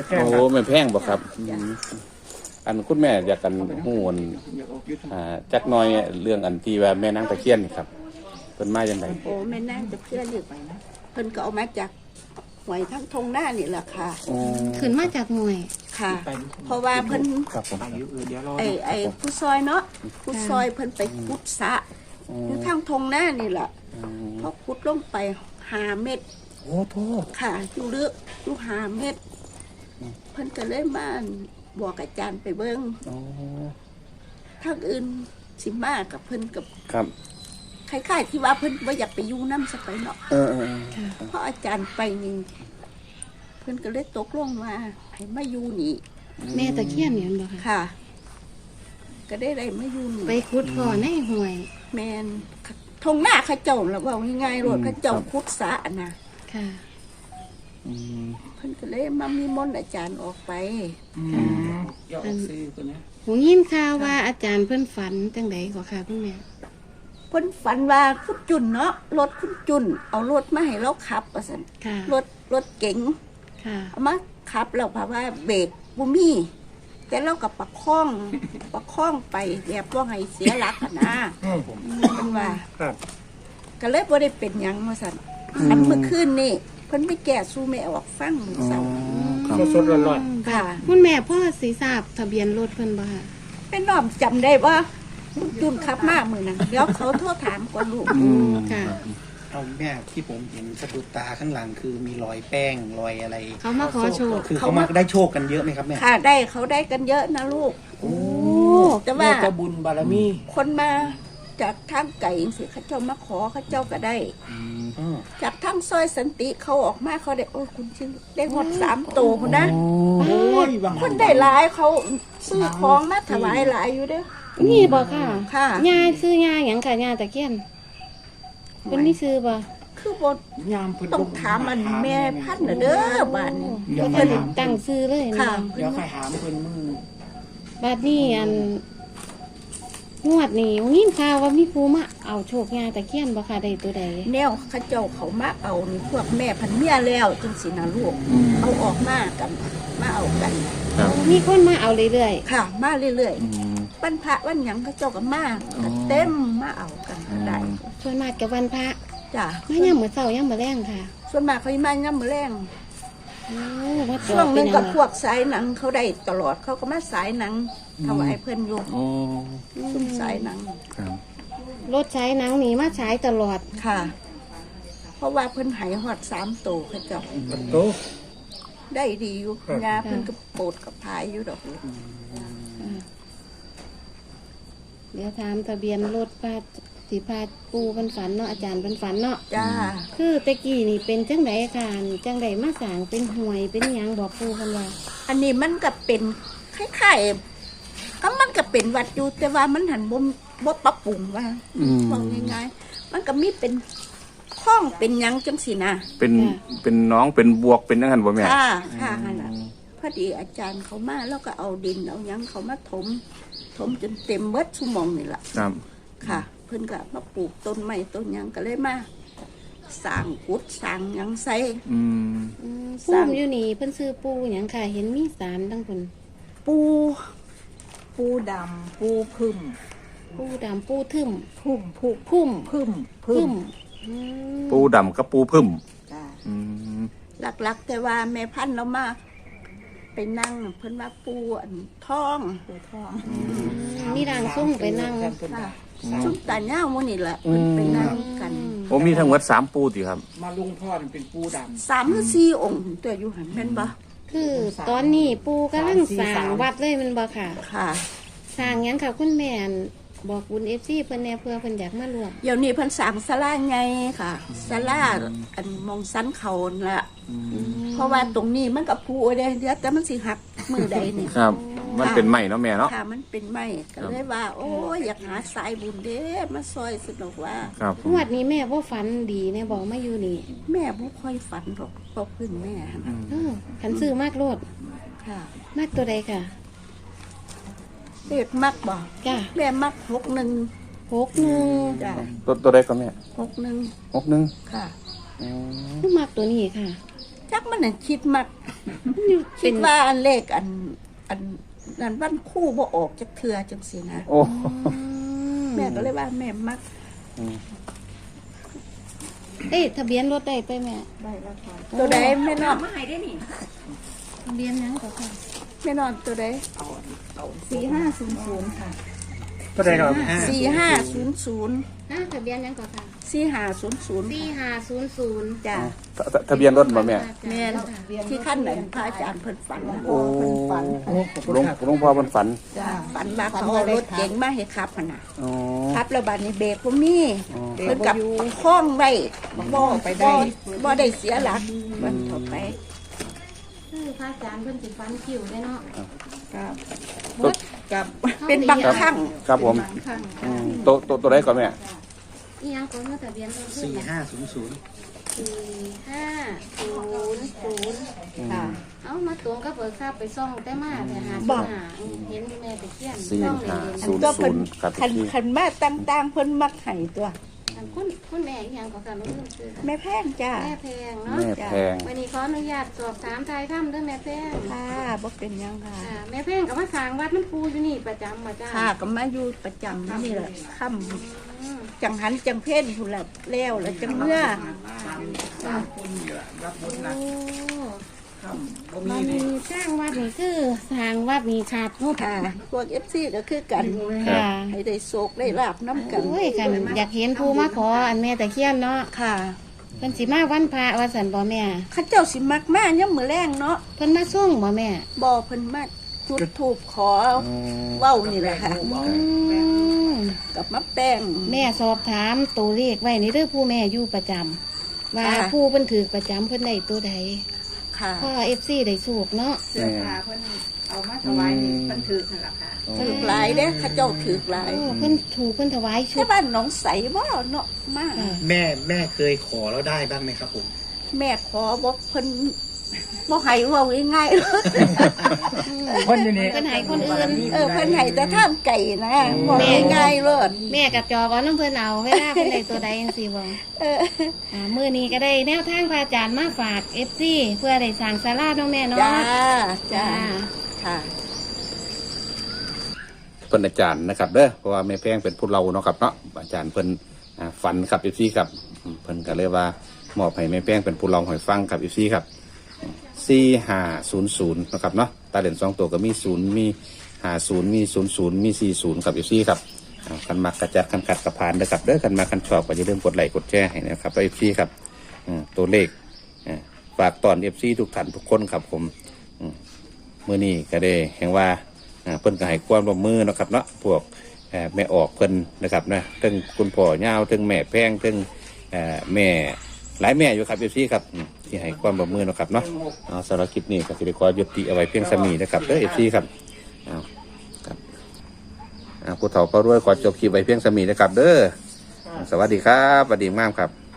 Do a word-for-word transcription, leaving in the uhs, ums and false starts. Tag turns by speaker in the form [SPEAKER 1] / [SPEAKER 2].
[SPEAKER 1] โอ้แม่แพงบ่ครับอันคุณแม่อยากกันฮู้อันอ่าจักหน่อยเรื่องอันที่ว่าแม่นางตะเคียนนี่ครับเพิ่นมาจังได๋
[SPEAKER 2] โอ้แม่นางตะเคียนนี่เพิ่นก็เอามาจากหวยทั้งทงหน้านี่แหละค่ะ
[SPEAKER 3] ขึ้นมาจากหน่วย
[SPEAKER 2] ค่ะ เพราะว่าเพิ่น
[SPEAKER 1] ครับผม
[SPEAKER 2] ไอ้ไอ้ผู้ซอยเนาะผู้ซอยเพิ่นไปขุดสระอยู่ทางทงหน้านี่แหละพอขุดลงไปห้าเมตร
[SPEAKER 1] โอ้โธ่
[SPEAKER 2] ค่ะอยู่ลึกอยู่ห้าเมตรเพิ่นก็เลยมาบอกอาจารย์ไปเบิ่ง
[SPEAKER 1] อ๋อ
[SPEAKER 2] ทางอื่นสิมากับเพิ่นกับ
[SPEAKER 1] ครับ
[SPEAKER 2] คล้ายๆที่ว่าเพิ่นบ่อยากไปอยู่นำสักไปเนาะ
[SPEAKER 1] เออๆ
[SPEAKER 2] เพราะอาจารย์ไปนี่เพิ่นก็เลยตกลงมาให้มาอยู่นี่
[SPEAKER 3] แม่ตะเคียนเนี่ยบ่ค่ะ
[SPEAKER 2] ค่ะ ก็ได้ได้มาอยู่นี่
[SPEAKER 3] ไปขุดพ่อในห่วย
[SPEAKER 2] แมนทงหน้าเขาเจ้าแล้วว่าง่ายๆรถเขาเจ้าคุดสะนะ
[SPEAKER 3] ค่ะ
[SPEAKER 1] อืม
[SPEAKER 2] เพิ่นก็เลยมามีมนต์อาจารย์ออกไป
[SPEAKER 4] อย่าออกซื้อคนนะ
[SPEAKER 3] หูยินข่าวว่าอาจารย์เพิ่นฝันจังไดก็ค่ะคุณแม่
[SPEAKER 2] เพิ่นฝันว่าคุณจุนเนาะรถคุณจุนเอารถมาให้เราขับว่าซั่น
[SPEAKER 3] ค่ะ
[SPEAKER 2] รถรถเก๋ง
[SPEAKER 3] ค่ะ
[SPEAKER 2] เอามาขับแล้วเพราะว่าเบรกบ่มีแต่เราก็ประคองประคองไปแบบบ่ให้เสียหลักอะนะเพิ่นว่า
[SPEAKER 4] ครับ
[SPEAKER 2] ก็เลยบ่ได้เป็นหยังว่าซั่นอันเมื่อคืนนี่เพิ่นไปแก้สู้แม่ออกฟังมื้อ
[SPEAKER 1] อ๋อ
[SPEAKER 2] เช้า
[SPEAKER 1] ครับ
[SPEAKER 4] สดๆร้อน
[SPEAKER 2] ค่ะ
[SPEAKER 3] คุณแม่พ่อสิทราบทะเบียนรถเพิ่นบ่ค่ะ
[SPEAKER 2] เป็นน้อมจำได้ว่าคุณจุนขับมามื้อนั้นเดี๋ยวเขาโทรถามก่อนลูก
[SPEAKER 1] อืม
[SPEAKER 3] ค่ะ
[SPEAKER 4] ๆเอาแม่ที่ผมเห็นสะดุดตาข้างหลังคือมีรอยแป้งรอยอะไร
[SPEAKER 3] เขามาขอโชค
[SPEAKER 4] คือเขามาได้โชคกันเยอะไหมครับแม่
[SPEAKER 2] ค่ะได้เขาได้กันเยอะนะลูก
[SPEAKER 4] โอ้
[SPEAKER 2] แต่ว่า
[SPEAKER 4] เจ้าบุญบารมี
[SPEAKER 2] คนมาจากทางไก่สิเขาเจ้ามาขอเขาเจ้าก็ได้
[SPEAKER 4] อ๋อ
[SPEAKER 2] จากทางซอยสันติเขาออกมาเขาได้โอ้ยคุณชื่อได้หมดสามโตคุณนะ
[SPEAKER 4] โอ้ยบาง
[SPEAKER 2] คนได้หลายเขาซื้อของมาถวายหลายอยู่เด้อ
[SPEAKER 3] นี่บ่ค่ะ
[SPEAKER 2] ค่ะ
[SPEAKER 3] ยาซื้อยาหยังค่ะยาตะเคียนเพิ่นมีซื้อบ่
[SPEAKER 2] คือบท
[SPEAKER 4] ยามเพิ่น
[SPEAKER 2] ต้องถามมันแม่พันธุ์น่ะเด้อบ้านนี้
[SPEAKER 4] เดี๋ยว
[SPEAKER 3] เพิ่
[SPEAKER 4] ค่อย
[SPEAKER 3] น
[SPEAKER 4] ถาม
[SPEAKER 3] ตั้งซื้อเลยนะ
[SPEAKER 2] ค่ะ
[SPEAKER 4] เดี๋ยวค่อยถามเพิ่นมือ
[SPEAKER 3] บัดนี้อันงวดนี้ยินข่าวว่ามีผู้มาเอาโชคยาตะเคียนบ่ค่ะได้ตัวใด
[SPEAKER 2] แนวเขาเจ้าเขามาเอานี่พวกแม่พันเมียแล้วจังสินะลูกเอาออกมากันมาเอากัน
[SPEAKER 1] ครับ
[SPEAKER 3] มีคนมาเอาเรื่อย
[SPEAKER 2] ค่ะ มาเรื่อย
[SPEAKER 1] อืม
[SPEAKER 2] ๆวันพระวันหยังเขาเจ้าก็มาก็เต็มมาเอากันได้
[SPEAKER 3] ๆส่วนมากกับวันพระ
[SPEAKER 2] จ้ะ
[SPEAKER 3] มายามมื้อเช้ายามมื้อแลงค่ะ
[SPEAKER 2] ส่วนมากเขาสิมาย่ำมือแรง
[SPEAKER 3] โอ้วัด
[SPEAKER 2] ช่วงหนึง
[SPEAKER 3] เป็
[SPEAKER 2] กับ
[SPEAKER 3] น
[SPEAKER 2] พวกสายหนังเขาได้ตลอดเขาก็มาสายหนังถวายเพื่อนอยู่
[SPEAKER 1] โอ้
[SPEAKER 2] ซุ่มสายหนัง
[SPEAKER 1] ครับ
[SPEAKER 3] รถใช้หนังนี่มาใช้ตลอด
[SPEAKER 2] ค่ะ เพราะว่าเพิ่นใหายหอดสามโตเขาเจ้า
[SPEAKER 4] โต
[SPEAKER 2] ได้ดีอยู่ยาเพิ่นก็โปรดกับพายอยู่ดอกลูก
[SPEAKER 3] เดี๋ยวถามทะเบียนรถพาสิพาปูเพิ่นฝันเนาะอาจารย์เพิ่นฝันเนาะ
[SPEAKER 2] จ้า
[SPEAKER 3] คือตะกี้นี่เป็นจังไดค่ะจังไดมาสร้างเป็นห่วยเป็นหยังบอกปูเพิ่นว่า
[SPEAKER 2] อันนี้มันก็เป็นคล้ายๆก็มันก็เป็นวัดอยู่แต่ว่ามันหันบ่บ่ปรับปรุงว่า
[SPEAKER 1] อืม
[SPEAKER 2] ว่าง่ายๆมันก็มีเป็นข้องเป็นหยังจังสินะ
[SPEAKER 1] เป็นเป็นน้องเป็นบวกเป็นจังซั่นบ่แม่
[SPEAKER 2] ค่ะค่ะนั่นน่ะพอดีอาจารย์เขามาแล้วก็เอาดินเอาหยังเขามาถม ถมจนเต็มเบิดชั่วโมงนี่ล่ะ
[SPEAKER 1] ครับ
[SPEAKER 2] ค่ะ เพิ่นก็มาปลูกต้นไม้ต้นหยังก็เลยมาสร้างกุดสร้างหยังใส่
[SPEAKER 1] อืม
[SPEAKER 3] อืม
[SPEAKER 2] ส
[SPEAKER 3] ปู
[SPEAKER 2] ร้าง
[SPEAKER 3] อยู่นี่เพิ่นซื้อปูหยังค่ะ เห็นมีสารทั้งเพิ่น
[SPEAKER 2] ปู
[SPEAKER 5] ปูดำปูพึ่ม
[SPEAKER 3] ปูดำปูทึม
[SPEAKER 5] พุ่มพุ่ม
[SPEAKER 3] พุ่ม
[SPEAKER 5] พึ่ม
[SPEAKER 3] พึ่
[SPEAKER 5] พึ่
[SPEAKER 3] ม
[SPEAKER 5] ม
[SPEAKER 3] อืม
[SPEAKER 1] ปูดำกับปูพึ่ม
[SPEAKER 2] จ้ะ
[SPEAKER 1] อืม
[SPEAKER 2] หลักๆ แต่ว่าแม่พันธุ์เรามาไปนั่งเพิ่นว่าปูอันทอง
[SPEAKER 5] ปูทอง
[SPEAKER 3] มีร่างทรงไปนั่ง
[SPEAKER 2] ค่ะชุดตาเน่ามื้อนี่แหละเพิ่นไปนั่งกัน
[SPEAKER 1] โอ้มีทั้งหมดสามปูติครับ
[SPEAKER 4] มาลุงพ่อนี่เป็นปูด
[SPEAKER 2] สามหรือสี่องค์ตัวอยู่หันแม่นบ่
[SPEAKER 3] คือตอนนี้ปูกำลังสร้างวัดเลยแมันบ่ค่ะ
[SPEAKER 2] ค่ะ
[SPEAKER 3] สร้างหยังค่ะคุณแม่นบอกบุญ เอฟ ซี เพิ่นแหน่เพื่อเพิ่นอยากมารวม
[SPEAKER 2] เดี๋ยวนี้เพิ่นสร้างศาลาใหญ่ค่ะศาลาอันมองสันเขานั่นละเพราะว่าตรงนี้มันกับปูเด้เดี๋ยวแต่มันสิหักมือใดนี่
[SPEAKER 1] ครับ มันเป็นใหม่เนาะแม่เนาะ
[SPEAKER 2] ค่ะมันเป็นไม้ก็เลยว่า โอ้ยอยากหาสายบุญเด้มาซอยสนุกว่า
[SPEAKER 1] ครับ
[SPEAKER 3] งวดนี้แม่บ่ฝันดีแน่บอกมาอยู่นี่
[SPEAKER 2] แม่บ่ค่อยฝันหรอกเพราะเพึ่งแม่หั่นน่ะ
[SPEAKER 3] เออคันซื้อมากโลด
[SPEAKER 2] ค่ะ
[SPEAKER 3] มากตัวใดค่ะ
[SPEAKER 2] เด็กมักบ่
[SPEAKER 3] จ้ะ
[SPEAKER 2] แม่มักหกหนึ่ง
[SPEAKER 3] หกหนึ่ง
[SPEAKER 2] จ้ะ
[SPEAKER 1] ตัวตัวใดก็แม่
[SPEAKER 2] หกหนึ่ง
[SPEAKER 1] หกหนึ่ง
[SPEAKER 2] ค่ะ
[SPEAKER 1] อืม
[SPEAKER 3] คือมากตัวนี้ค่ะ
[SPEAKER 2] จักมันน่ะคิดมักคิดว่าอันเลขอันอันนั้นวันคู่บ่ออกจักเทื่อจังซี่นะ
[SPEAKER 1] โอ้
[SPEAKER 2] แม่ก็เลยว่าแม่มัก
[SPEAKER 3] เอ้ยทะเบียนรถได้ไปแม่
[SPEAKER 2] ตัวใดแม่นอน
[SPEAKER 3] ทะเบียนหยังก็ค่ะ
[SPEAKER 2] แม่นอนตัวใด
[SPEAKER 5] สี่ห้าศูนย์ศูนย์ค่ะ
[SPEAKER 4] ก็ได้ครับห้า
[SPEAKER 2] สี่ห้าศูนย์ศูนย์
[SPEAKER 3] อ่าทะเบียนหยังก็ค่ะ
[SPEAKER 2] สี่ห้าศูนย์ศูนย์
[SPEAKER 3] สี่ห้าศูนย์ศูนย์
[SPEAKER 2] จ้ะ
[SPEAKER 1] ทะทะเบียนรถบ่แม่
[SPEAKER 2] แม่นที่ขั้นไหนพระอาจารย์เพิ่นฝัน
[SPEAKER 1] โอ้
[SPEAKER 2] ฝัน
[SPEAKER 4] โอ้ขอบคุ
[SPEAKER 1] หลวง
[SPEAKER 4] ณครับ
[SPEAKER 1] หลวงพ่อมันฝัน
[SPEAKER 2] จ้ะฝันว่าเขาเอารถเก๋งมาให้ขับหั่นน่ะ
[SPEAKER 1] อ๋อ
[SPEAKER 2] ขับแล้วบัดนี้เบรกบ่มี
[SPEAKER 1] อ๋อ
[SPEAKER 2] เพิ่นกับคล้องไว้บ่ไปได้บ่ได้เสียหลักมันถอไป
[SPEAKER 3] คือพระอาจารย์เพิ่นสิฟันคิวได้เนาะ
[SPEAKER 2] ครับ
[SPEAKER 3] บด
[SPEAKER 2] กับเป็นบางครั้ง
[SPEAKER 1] ครับผม
[SPEAKER 3] ข้าง
[SPEAKER 1] อืมตัวตัวตัวใดก่อนแม่
[SPEAKER 3] อีหยังก็เนาะทะเบียนรถ
[SPEAKER 4] สี่ห้าศูนย์ศูนย์
[SPEAKER 3] สี่ห้าศูนย์ศูนย์
[SPEAKER 2] ค่ะ
[SPEAKER 3] เอามาตรงกับเบิกทราบไปซ่องแต่มาแต่หา
[SPEAKER 2] บ่
[SPEAKER 3] หาเห็นแม่ไปเขียน
[SPEAKER 1] สี่
[SPEAKER 3] ซ่อง
[SPEAKER 1] ห้า
[SPEAKER 3] เห็น
[SPEAKER 2] อัน
[SPEAKER 1] ศูนย์
[SPEAKER 2] ก็เพิ่น
[SPEAKER 1] ครับ
[SPEAKER 2] คัน
[SPEAKER 1] พี่
[SPEAKER 2] คันมาต่างๆเพิ่นมักให้ตัว
[SPEAKER 3] อันคุณคุณแม่อีหยังก็ค่ะรู้คือ
[SPEAKER 2] แม่แพงจ้า
[SPEAKER 3] แม่แพงเนาะ
[SPEAKER 1] แม่แพง
[SPEAKER 3] วันนี้ขออนุญาตสอบถามทายถ้ำเด้วยแม่แพง
[SPEAKER 2] ค่ะบ่เป็นหยังค่ะ
[SPEAKER 3] อ่าแม่แพงกับมาสร้างวัดน้ำปูอยู่นี่ประจำมาจ้า
[SPEAKER 2] ค่ะก็มาอยู่ประจำนี่แหละค่
[SPEAKER 3] อืม
[SPEAKER 2] ำจังหันจังเพ่นพุ่นละแล้วแล้วจังเมื่อ
[SPEAKER 3] โอ้มันมีสร้างวัดนี่คือสร้างวัดนี่ขาดงบ
[SPEAKER 2] ค่ะพวก เอฟ ซี ก็คือกัน
[SPEAKER 3] ค่ะ
[SPEAKER 2] ให้ได้โศกได้ลาบน้ำกัน
[SPEAKER 3] โอ้ยค่ะอยากเห็นภูมาขออันแม่ตะเคียนเนาะ
[SPEAKER 2] ค่ะ
[SPEAKER 3] เพิ่นสิมาวันพระวันสันบ่แม่
[SPEAKER 2] เข้าเจ้าสิมักมากย่ำมือแรงเนาะ
[SPEAKER 3] เพิ่นมาส่งบ่แม่
[SPEAKER 2] บ่เพิ่นมาจุดถูกขอเว้านี่แหละค่ะ
[SPEAKER 3] อืม
[SPEAKER 2] กับมะแป้ง
[SPEAKER 3] แม่สอบถามตัวเลขไว้นี่เด้อผู้แม่อยู่ประจำว่า
[SPEAKER 2] ค่ะ
[SPEAKER 3] ผู้เพิ่นถือประจำเพิ่นได้ตัวใด
[SPEAKER 2] ค่ะ
[SPEAKER 3] พ่อ เอฟ ซี ได้สูกเนาะ
[SPEAKER 5] เสื้อผ้าเพิ่นเอามาถวายนี่เพิ่นถือนั่นแหละค่ะ
[SPEAKER 2] ถือหลายเด้เข้าเจ้าถือหลาย
[SPEAKER 3] โอ้เพิ่นถูกเพิ่นถวายชุ
[SPEAKER 2] ที่
[SPEAKER 3] ด
[SPEAKER 2] บ้านหนองใสบ่เนาะมาก
[SPEAKER 3] ค่ะ
[SPEAKER 4] แม่แม่เคยขอแล้วได้บ้างไหมครับผม
[SPEAKER 2] แม่ขอบอกเพิ่นบ่ให้เว้าง่ายๆเลย
[SPEAKER 4] คนอยู่นี่
[SPEAKER 3] เพิ่นให้คนอื่น
[SPEAKER 2] เออเพิ่นให้แต่ท่ามไก่นะบ่ให้ง่ายๆเลย
[SPEAKER 3] แม่กับจอบ่น้ำเพิ่นเอาเวลาเพิ่นได้ตัวใดจังซี่บ่
[SPEAKER 2] เออ
[SPEAKER 3] อ่ามื้อนี้ก็ได้แนวทางพระอาจารย์มาฝาก เอฟ ซี เพื่อได้สร้างศาลาเนาะแม่เนาะ
[SPEAKER 2] จ้าจ้า
[SPEAKER 3] จ้า
[SPEAKER 2] ค่ะ
[SPEAKER 1] เพิ่นอาจารย์นะครับเด้อเพราะว่าแม่แพงเป็นผู้เราเนาะครับเนาะอาจารย์เพิ่นอ่าฝันครับอีซี่ครับอืมเพิ่นก็เลยว่ามอบให้แม่แพงเป็นผู้เราให้ฟังครับอีซี่ครับสี่ห้าศูนย์ศูนย์นะครับเนาะตาเหรียญสองตัวก็มีศูนย์มีห้าศูนย์มีศูนย์ศูนย์มีสี่ศูนย์ครับอีซี่ครับอ่าคันมักกระจัดคันขัดกระพานเด้อครับเด้อคันมาคันชอบก็อย่าลืมกดไลค์กดแชร์ให้นะครับอีซี่ครับอืมตัวเลขอ่าฝากตอนเอฟซีทุกท่านทุกคนครับผมอืมมื้อนี้ก็ได้แห่งว่า อ่าเพิ่นก็ให้ความร่วมมือเนาะครับเนาะพวกเอ่อแม่ออกเพิ่นนะครับนะทั้งคุณพ่อย่าวทั้งแม่แพงทั้งเอ่อแม่หลายแม่อยู่ครับเอฟซีครับอืมที่ให้ความร่วมมือเนาะครับเนาะเอาสำหรับคลิปนี้ก็สิได้ขอยุติเอาไว้เพียงสมีนะครับเด้อเอฟซีครับเอาครับอ่าผู้เฒ่าก็รวยขอจบคลิปไว้เพียงสมีนะครับเด้อสวัสดีครับสวัสดีมากครับ